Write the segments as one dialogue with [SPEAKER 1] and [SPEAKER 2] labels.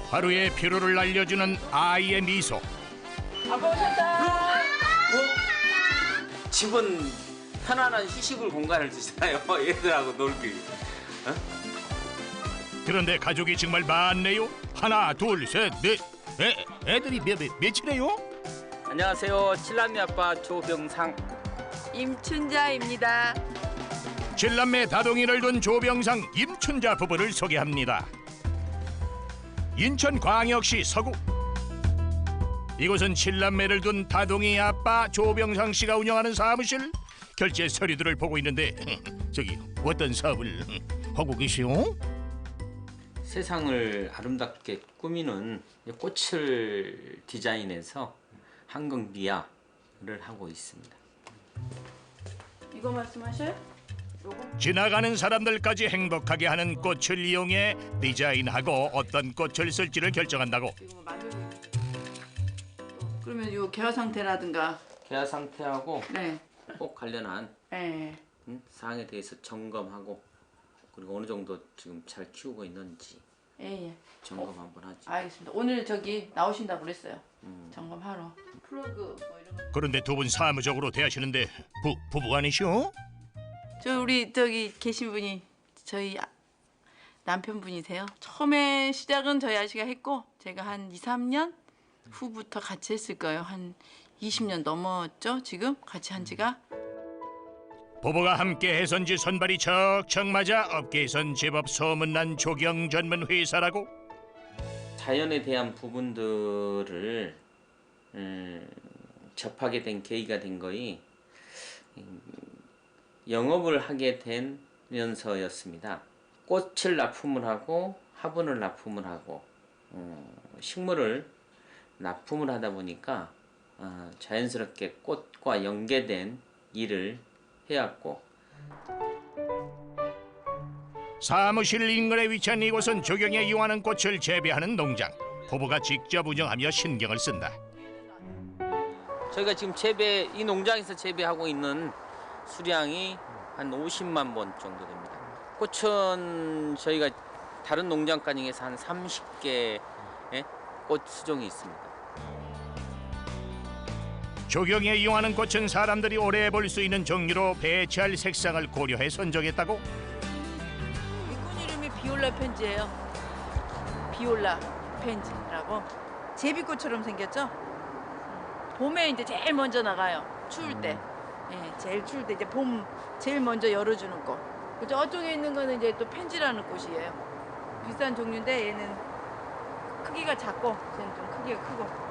[SPEAKER 1] 하루의 피로를 날려주는 아이의 미소.
[SPEAKER 2] 아빠 오셨다.
[SPEAKER 3] 집은 편안한 휴식을 공간을 주잖아요. 얘들하고 놀기.
[SPEAKER 1] 그런데 가족이 정말 많네요. 하나, 둘, 셋, 넷. 애들이 몇이래요?
[SPEAKER 3] 안녕하세요. 칠남매 아빠 조병상.
[SPEAKER 2] 임춘자입니다.
[SPEAKER 1] 칠남매 다동이를 둔 조병상, 임춘자 부부를 소개합니다. 인천광역시 서구. 이곳은 칠남매를 둔 다동이 아빠 조병상 씨가 운영하는 사무실. 결제 서류들을 보고 있는데 저기 어떤 사업을 하고 계시오?
[SPEAKER 3] 세상을 아름답게 꾸미는 꽃을 디자인해서 한국미아를 하고 있습니다.
[SPEAKER 2] 이거 말씀하셔요? 요거?
[SPEAKER 1] 지나가는 사람들까지 행복하게 하는 꽃을 이용해 디자인하고 어떤 꽃을 쓸지를 결정한다고.
[SPEAKER 2] 이거 만들고 있는. 그러면 요 개화 상태라든가.
[SPEAKER 3] 개화 상태하고
[SPEAKER 2] 네.
[SPEAKER 3] 꽃 관련한
[SPEAKER 2] 네.
[SPEAKER 3] 사항에 대해서 점검하고 그리고 어느 정도 지금 잘 키우고 있는지
[SPEAKER 2] 예.
[SPEAKER 3] 점검 한번 하지.
[SPEAKER 2] 알겠습니다. 오늘 저기 나오신다고 그랬어요. 점검하러. 플러그 뭐 이런 거.
[SPEAKER 1] 그런데 두 분 사무적으로 대하시는데 부부 아니시오?
[SPEAKER 2] 저 우리 저기 계신 분이 저희 남편분이세요. 처음에 시작은 저희 아저씨가 했고 제가 한 2, 3년 후부터 같이 했을 거예요. 한 20년 넘었죠? 지금 같이 한 지가.
[SPEAKER 1] 부부가 함께 해선지 선발이 척척 맞아 업계에선 제법 소문난 조경 전문 회사라고.
[SPEAKER 3] 자연에 대한 부분들을 접하게 된 계기가 된 거이 영업을 하게 되면서였습니다. 꽃을 납품을 하고 화분을 납품을 하고 식물을 납품을 하다 보니까 자연스럽게 꽃과 연계된 일을 해왔고.
[SPEAKER 1] 사무실 인근에 위치한 이곳은 조경에 이용하는 꽃을 재배하는 농장. 부부가 직접 운영하며 신경을 쓴다.
[SPEAKER 3] 저희가 지금 이 농장에서 재배하고 있는 수량이 한 50만 본 정도 됩니다. 꽃은 저희가 다른 농장과 중에서 한 30개의 꽃 수종이 있습니다.
[SPEAKER 1] 조경에 이용하는 꽃은 사람들이 오래 볼 수 있는 종류로 배치할 색상을 고려해 선정했다고.
[SPEAKER 2] 이 꽃 이름이 비올라 펜지예요. 비올라 펜지라고. 제비꽃처럼 생겼죠? 봄에 이제 제일 먼저 나가요. 추울 때. 예, 제일 추울 때 이제 봄 제일 먼저 열어주는 꽃. 그 저쪽에 있는 거는 이제 또 펜지라는 꽃이에요. 비싼 종류인데 얘는 크기가 작고 쟤는 좀 크기가 크고.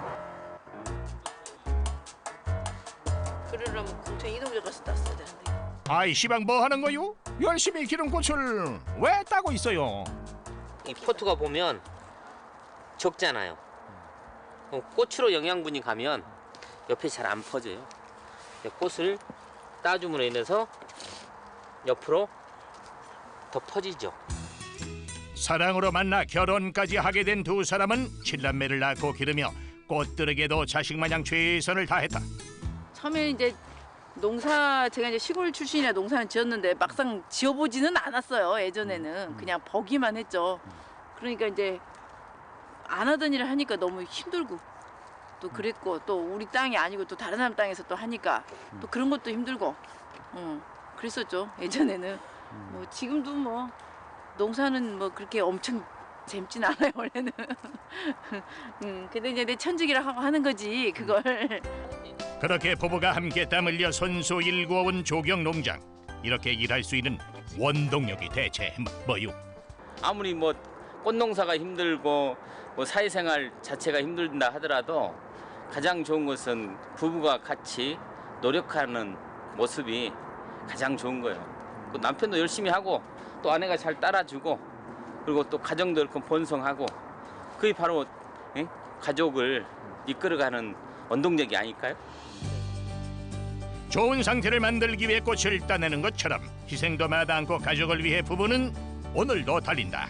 [SPEAKER 2] 그러려면 공천 이동자 가서 땄어야 되는데.
[SPEAKER 1] 아이 시방 뭐 하는 거요? 열심히 기른 꽃을 왜 따고 있어요?
[SPEAKER 3] 이 포트가 보면 적잖아요. 꽃으로 영양분이 가면 옆에 잘 안 퍼져요. 꽃을 따줌으로 인해서 옆으로 더 퍼지죠.
[SPEAKER 1] 사랑으로 만나 결혼까지 하게 된 두 사람은 칠남매를 낳고 기르며 꽃들에게도 자식마냥 최선을 다했다.
[SPEAKER 2] 처음에 이제 제가 이제 시골 출신이라 농사는 지었는데 막상 지어보지는 않았어요. 예전에는 그냥 보기만 했죠. 그러니까 이제 안 하던 일을 하니까 너무 힘들고 또 그랬고 또 우리 땅이 아니고 또 다른 사람 땅에서 또 하니까 또 그런 것도 힘들고 그랬었죠. 예전에는 뭐 지금도 뭐 농사는 뭐 그렇게 엄청 재밌진 않아요 원래는. 근데 이제 내 천직이라 하고 하는 거지 그걸.
[SPEAKER 1] 그렇게 부부가 함께 땀 흘려 손수 일구어온 조경 농장. 이렇게 일할 수 있는 원동력이 대체 뭐요?
[SPEAKER 3] 아무리 뭐 꽃농사가 힘들고 뭐 사회생활 자체가 힘들다 하더라도 가장 좋은 것은 부부가 같이 노력하는 모습이 가장 좋은 거예요. 그 남편도 열심히 하고 또 아내가 잘 따라주고 그리고 또 가정도 이렇게 번성하고 그게 바로 가족을 이끌어가는 원동력이 아닐까요?
[SPEAKER 1] 좋은 상태를 만들기 위해 꽃을 따내는 것처럼 희생도 마다않고 가족을 위해 부부는 오늘도 달린다.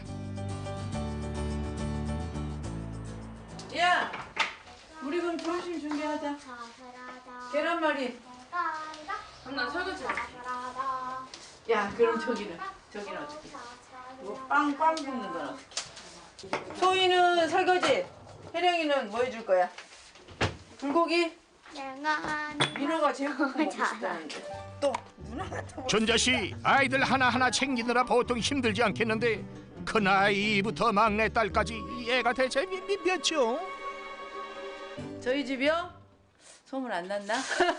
[SPEAKER 2] 야, 우리 그럼 점심 준비하자. 계란말이. 나 설거지 할게. 야, 그럼 저기는 어떻게? 뭐 빵 굽는 건 어떻게? 소희는 설거지, 혜령이는 뭐 해줄 거야? 불고기?
[SPEAKER 4] 내가
[SPEAKER 2] 민호가 제육볶음 먹고 싶다는데. 또 누나가 또
[SPEAKER 1] 준자 씨 아이들 하나하나 챙기느라 보통 힘들지 않겠는데 큰 아이부터 막내 딸까지 애가 대체 몇이요?
[SPEAKER 2] 저희 집이요? 소문 안 났나?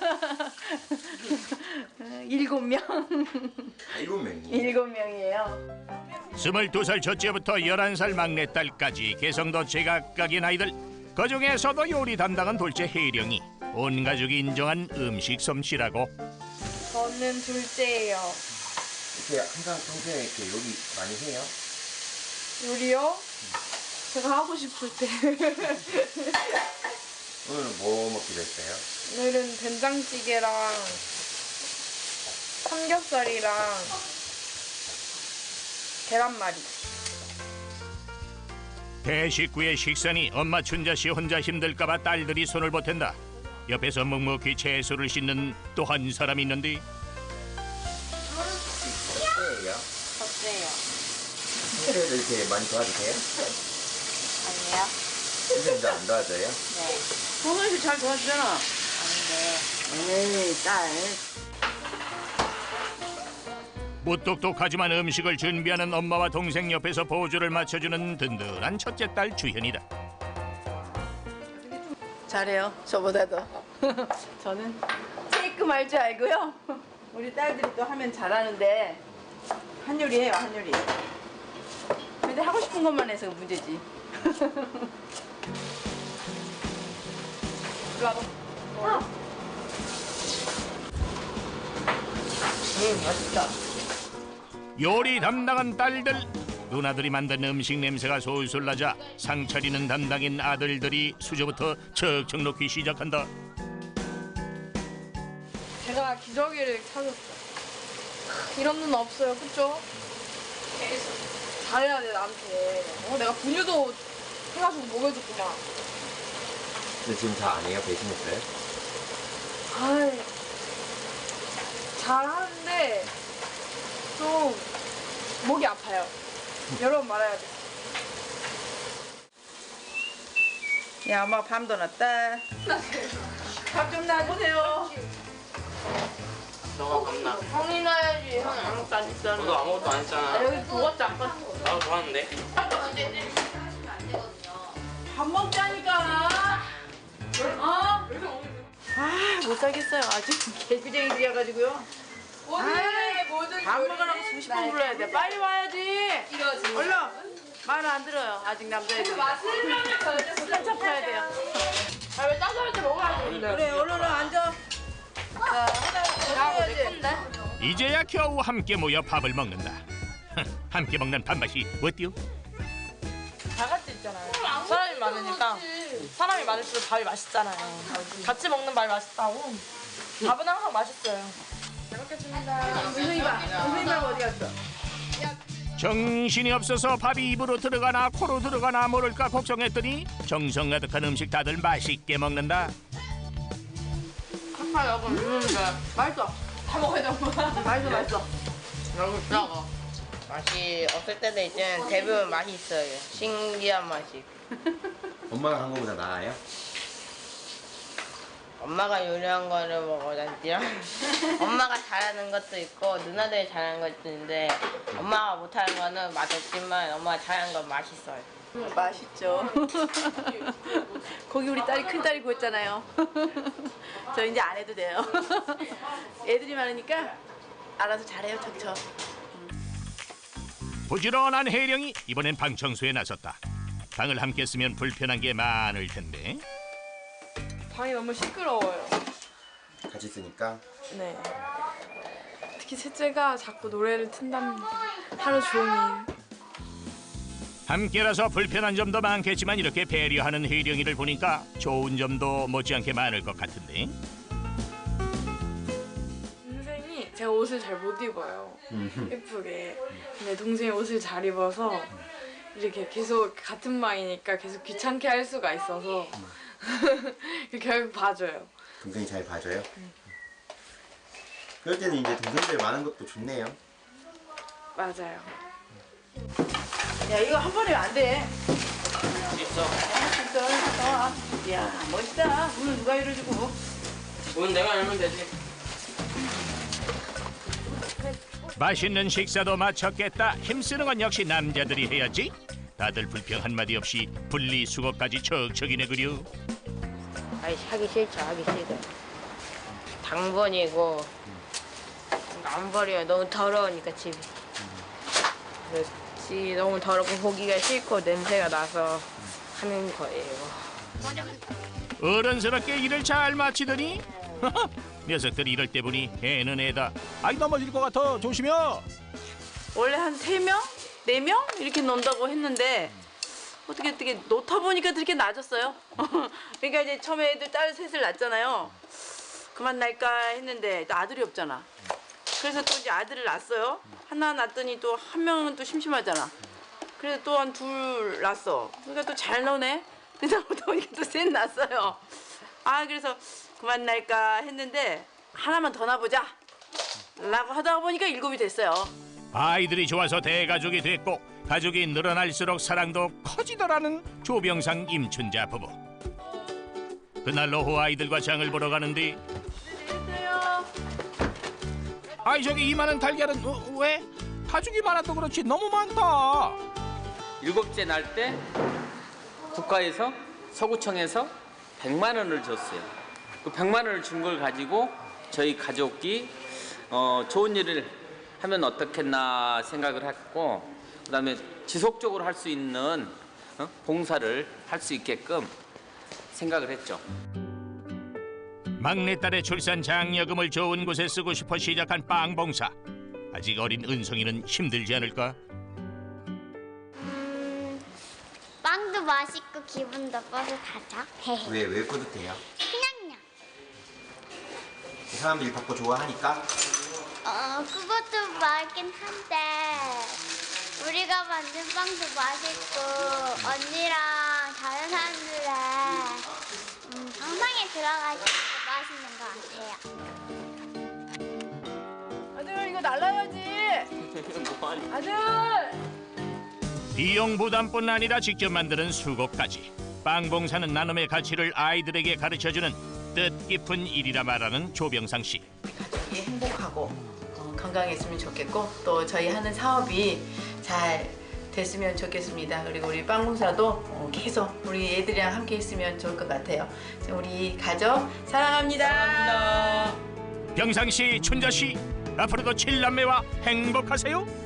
[SPEAKER 2] 7명.
[SPEAKER 5] 7명이.
[SPEAKER 2] 7명이에요.
[SPEAKER 1] 22살 첫째부터 11살 막내딸까지 개성도 제각각인 아이들 그중에서도 요리 담당은 돌째 혜령이 온 가족이 인정한 음식 솜씨라고.
[SPEAKER 4] 저는 둘째예요.
[SPEAKER 5] 이렇게 항상 평소에 이렇게 요리 많이 해요?
[SPEAKER 4] 요리요? 제가 하고 싶을 때.
[SPEAKER 5] 오늘은 뭐 먹기로 했어요?
[SPEAKER 4] 오늘은 된장찌개랑 삼겹살이랑 계란말이.
[SPEAKER 1] 대식구의 식사니 엄마 춘자 씨 혼자 힘들까봐 딸들이 손을 보탠다. 옆에서 묵묵히 채소를 씻는 또 한 사람이 있는데
[SPEAKER 5] 첫째예요?
[SPEAKER 4] 어때요?
[SPEAKER 5] 평소에도 이렇게 많이 도와주세요?
[SPEAKER 4] 아니요.
[SPEAKER 5] 선생님도 안 도와줘요?
[SPEAKER 2] 소희 씨잘 도와주잖아. 에이 딸.
[SPEAKER 1] 무뚝뚝하지만 음식을 준비하는 엄마와 동생 옆에서 보조를 맞춰주는 든든한 첫째 딸 주현이다.
[SPEAKER 2] 잘해요. 저보다도. 저는 체이크 할 줄 알고요. 우리 딸들이 또 하면 잘하는데 한요리 해요, 한요리. 근데 하고 싶은 것만 해서 문제지. 이리 와봐. 맛있다.
[SPEAKER 1] 요리 담당한 딸들 누나들이 만든 음식 냄새가 솔솔 나자 상 차리는 담당인 아들들이 수저부터 척척 놓기 시작한다.
[SPEAKER 4] 제가 기저귀를 찾았어요. 이런 눈 없어요, 그쵸? 잘해야 돼, 나한테. 내가 분유도 해가지고 먹여줬구만.
[SPEAKER 5] 근데 지금 잘 안 해요? 배신했어요?
[SPEAKER 4] 아이, 잘하는데 좀 목이 아파요. 여러 번 말해야 돼.
[SPEAKER 2] 야, 엄마 밤도 났다. 밥 좀 놔주세요.
[SPEAKER 6] 너가 겁나.
[SPEAKER 4] 형이 나야지. 형이 아무것도 안 했잖아.
[SPEAKER 6] 너도 아무것도 안 했잖아.
[SPEAKER 4] 여기 도왔지 아까?
[SPEAKER 6] 나도 좋았는데.
[SPEAKER 2] 밥 먹자니까. 어? 아, 못 살겠어요. 아주 개구쟁이들이어가지고요. 밥 먹으라고 수십 번 불러야 돼. 빨리 와야지. 얼른. 말을 안 들어요. 아직 남자애들. 한참 커야 돼요.
[SPEAKER 4] 왜 따뜻할 때 먹어야지.
[SPEAKER 2] 그래, 얼른 앉아. 자, 하나 해야지.
[SPEAKER 1] 이제야 겨우 함께 모여 밥을 먹는다. 함께 먹는 밥맛이 어때요?
[SPEAKER 7] 다 같이 있잖아요. 사람이 많으니까 사람이 많을수록 밥이 맛있잖아요. 같이 먹는 밥이 맛있다고. 밥은 항상 맛있어요. 잘 먹겠습니다.
[SPEAKER 2] 선생님 밥. 선생님 밥 어디 갔어?
[SPEAKER 1] 정신이 없어서 밥이 입으로 들어가나 코로 들어가나 모를까 걱정했더니 정성 가득한 음식 다들 맛있게 먹는다.
[SPEAKER 7] 아까 여기 있는데
[SPEAKER 2] 맛있어.
[SPEAKER 7] 다 먹어야 돼, 엄마.
[SPEAKER 2] 맛있어, 맛있어.
[SPEAKER 7] 여기 있다가.
[SPEAKER 8] 맛이 없을 때도 있지만 대부분 맛이 있어요. 신기한 맛이.
[SPEAKER 5] 엄마가 한 거보다 나아요?
[SPEAKER 8] 엄마가 요리한 거를 먹어 난디랑 엄마가 잘하는 것도 있고 누나들이 잘하는 것도 있는데 엄마가 못하는 거는 맛없지만 엄마가 잘하는 건 맛있어요.
[SPEAKER 2] 맛있죠. 고기 우리 딸이 큰 딸이 구웠잖아요. 저 이제 안 해도 돼요. 애들이 많으니까 알아서 잘해요, 척척.
[SPEAKER 1] 부지런한 혜령이 이번엔 방 청소에 나섰다. 방을 함께 쓰면 불편한 게 많을 텐데
[SPEAKER 4] 방이 너무 시끄러워요.
[SPEAKER 5] 같이 쓰니까?
[SPEAKER 4] 네. 특히 셋째가 자꾸 노래를 튼답니다. 하루 종일.
[SPEAKER 1] 함께라서 불편한 점도 많겠지만 이렇게 배려하는 혜령이를 보니까 좋은 점도 못지않게 많을 것 같은데
[SPEAKER 4] 동생이 제가 옷을 잘 못 입어요. 예쁘게. 근데 동생이 옷을 잘 입어서 이렇게 계속 같은 방이니까 계속 귀찮게 할 수가 있어서 결국 봐줘요.
[SPEAKER 5] 동생이 잘 봐줘요? 그럴 때는 이제 동생들 많은 것도 좋네요.
[SPEAKER 4] 맞아요.
[SPEAKER 2] 야 이거 한 번에 안 돼.
[SPEAKER 6] 있어.
[SPEAKER 2] 있어. 야 멋있다. 오늘 누가 이뤄주고.
[SPEAKER 6] 오늘 내가 열면 되지.
[SPEAKER 1] 맛있는 식사도 마쳤겠다. 힘쓰는 건 역시 남자들이 해야지. 다들 불평 한마디 없이 분리수거까지 척척이네 그려.
[SPEAKER 8] 아이 하기 싫죠. 하기 싫어. 당번이고 안 버려요. 너무 더러우니까 집이. 그래서 집이 너무 더럽고 보기가 싫고 냄새가 나서 하는 거예요.
[SPEAKER 1] 어른스럽게 일을 잘 마치더니 녀석들이 이럴 때 보니 애는 애다. 아이 넘어질 것 같아. 조심해.
[SPEAKER 2] 원래 한 3명? 4명? 이렇게 논다고 했는데 어떻게 놓다 보니까 그렇게 낮았어요. 그러니까 이제 처음에 애들 딸 셋을 낳았잖아요. 그만 날까 했는데 또 아들이 없잖아. 그래서 또 이제 아들을 낳았어요. 하나 낳았더니 또 한 명은 또 심심하잖아. 그래서 또 한 둘 낳았어. 그러니까 또 잘 노네. 그러다 보니까 또 셋 낳았어요. 아 그래서 그만 날까 했는데 하나만 더 낳아보자 라고 하다 보니까 7이 됐어요.
[SPEAKER 1] 아이들이 좋아서 대가족이 됐고 가족이 늘어날수록 사랑도 커지더라는 조병상 임춘자 부부. 그날 오후 아이들과 장을 보러 가는데 아이 저기 이만한 달걀은 왜? 가족이 많아도 그렇지 너무 많다.
[SPEAKER 3] 7째 날 때 국가에서 서구청에서 100만 원을 줬어요. 그 100만 원을 준 걸 가지고 저희 가족이 좋은 일을 하면 어떻겠나 생각을 했고 그다음에 지속적으로 할 수 있는 봉사를 할 수 있게끔 생각을 했죠.
[SPEAKER 1] 막내딸의 출산 장려금을 좋은 곳에 쓰고 싶어 시작한 빵 봉사. 아직 어린 은성이는 힘들지 않을까?
[SPEAKER 9] 빵도 맛있고 기분도 뿌듯하죠.
[SPEAKER 5] 왜 뿌듯해요?
[SPEAKER 9] 그냥요.
[SPEAKER 5] 사람들이 바꿔 좋아하니까?
[SPEAKER 9] 그것도 맛있긴 한데 우리가 만든 빵도 맛있고 언니랑 다른 사람들의 영상에 들어가서 맛있는 것 같아요.
[SPEAKER 2] 아들 이거 날라야지. 아들.
[SPEAKER 1] 비용 부담뿐 아니라 직접 만드는 수고까지. 빵 봉사는 나눔의 가치를 아이들에게 가르쳐주는 뜻깊은 일이라 말하는 조병상 씨.
[SPEAKER 2] 가족이 행복하고 건강했으면 좋겠고 또 저희 하는 사업이 잘 됐으면 좋겠습니다. 그리고 우리 빵 봉사도 계속 우리 애들이랑 함께 했으면 좋을 것 같아요. 우리 가족 사랑합니다.
[SPEAKER 1] 병상 씨, 춘자 씨, 앞으로도 7남매와 행복하세요.